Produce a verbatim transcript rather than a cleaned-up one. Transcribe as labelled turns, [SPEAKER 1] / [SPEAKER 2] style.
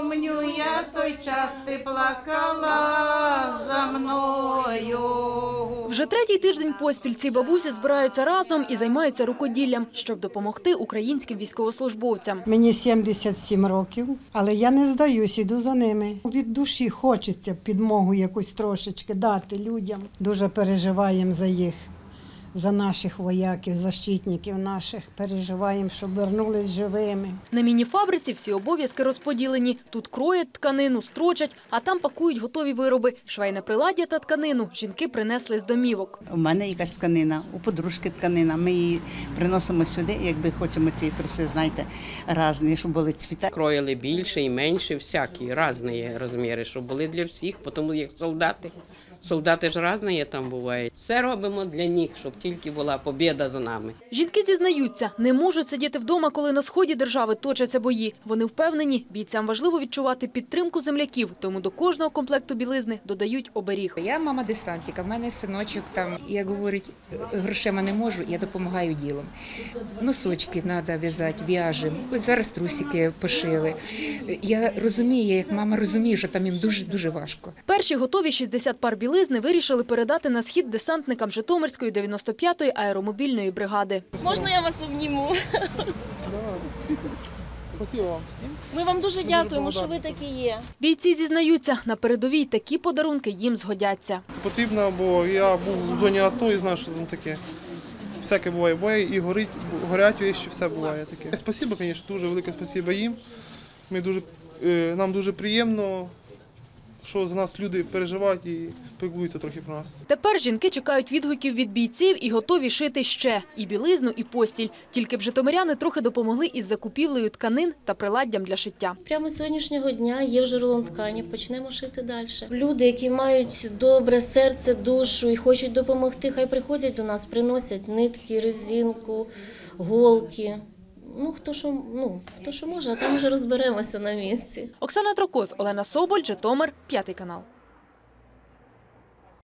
[SPEAKER 1] помню, як той час ти плакала за мною.
[SPEAKER 2] Вже третій тиждень поспіль ці бабусі збираються разом і займаються рукоділлям, щоб допомогти українським військовослужбовцям.
[SPEAKER 3] Мені сімдесят сім років, але я не здаюсь, іду за ними. Від душі хочеться підмогу якусь трошечки дати людям. Дуже переживаємо за їх, за наших вояків, защитників наших. Переживаємо, щоб вернулись живими.
[SPEAKER 2] На міні-фабриці всі обов'язки розподілені. Тут кроять тканину, строчать, а там пакують готові вироби. Швейне приладдя та тканину жінки принесли з домівок.
[SPEAKER 4] У мене якась тканина, у подружки тканина. Ми її приносимо сюди, якби хочемо ці труси, знаєте, різні, щоб були цвіта.
[SPEAKER 5] Кроїли більше і менше, всякі, різні розміри, щоб були для всіх, тому як солдати. Солдати ж різні там бувають. Все робимо для них, щоб тільки була побєда за нами.
[SPEAKER 2] Жінки зізнаються, не можуть сидіти вдома, коли на сході держави точаться бої. Вони впевнені, бійцям важливо відчувати підтримку земляків, тому до кожного комплекту білизни додають оберіг.
[SPEAKER 6] Я мама десантика, в мене синочок там, як говорить, грошима не можу, я допомагаю ділом. Носочки треба в'язати, в'яжемо. Ось зараз трусики пошили. Я розумію, як мама розуміє, що там їм дуже-дуже важко.
[SPEAKER 2] Перші готові шістдесят пар білизни вирішили передати на схід десантникам Житомирської дев'яносто п'ятої аеромобільної бригади.
[SPEAKER 7] Можна я вас обніму? Ми вам дуже дякуємо, що ви такі є.
[SPEAKER 2] Бійці зізнаються, на передовій такі подарунки їм згодяться.
[SPEAKER 8] Це потрібно, бо я був в зоні АТО і знаю, що там таке. Всяке буває, буває і горить, горять вещі, все буває таке. Спасибо, звісно, дуже велике спасибо їм. Ми дуже, нам дуже приємно, що за нас люди переживають і піклуються трохи про нас.
[SPEAKER 2] Тепер жінки чекають відгуків від бійців і готові шити ще – і білизну, і постіль. Тільки б житомиряни трохи допомогли із закупівлею тканин та приладдям для шиття.
[SPEAKER 7] Прямо з сьогоднішнього дня є вже рулон ткані, почнемо шити далі. Люди, які мають добре серце, душу і хочуть допомогти, хай приходять до нас, приносять нитки, резинку, голки. Ну, хто що, ну, хто що може, а там вже розберемося на місці.
[SPEAKER 2] Оксана Трокоз, Олена Соболь, Житомир, п'ятий канал.